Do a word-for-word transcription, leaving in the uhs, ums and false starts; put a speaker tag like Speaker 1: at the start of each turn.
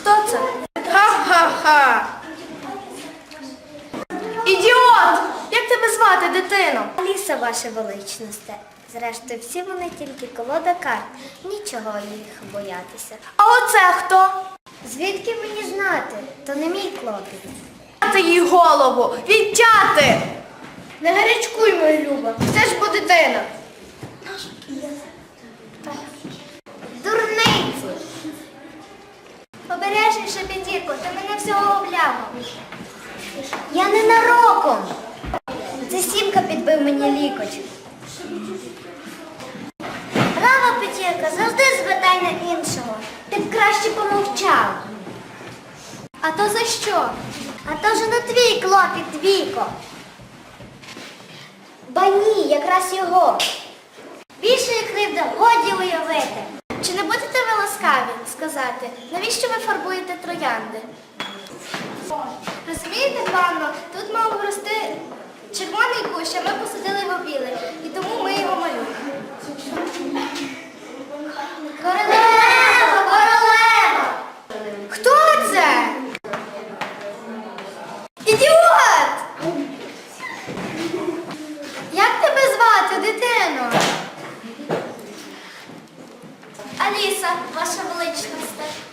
Speaker 1: Хто це? Ха-ха-ха! Ідіот! Як тебе звати, дитино?
Speaker 2: Аліса, ваше величність. Зрештою, всі вони тільки колода карт. Нічого їх боятися.
Speaker 1: А оце хто?
Speaker 2: Звідки мені знати? То не мій клопіт.
Speaker 1: Відтяти їй голову! Відтяти! Не гарячкуй, моя Люба, це ж бо дитина.
Speaker 2: Дурниці! Обережніше, П'ятірко, ти мене всього облямав. Я ненароком. Це Сімка підбив мені лікоть. Браво, П'ятірка, завжди звертай на іншого. Ти б краще помовчав.
Speaker 1: А то за що?
Speaker 2: А то вже не твій клопіт, Двійко. Ба ні, якраз його. Більшої кривди годі уявити.
Speaker 1: Чи не будете ви ласкаві сказати, навіщо ви фарбуєте троянди? Розумієте, панно, тут мав рости червоний кущ, а ми посадили його білий, і тому ми його малюємо.
Speaker 2: Королева, королева!
Speaker 1: Хто це? Ідіот! Як тебе звати, дитино?
Speaker 2: Аліса, ваша величність.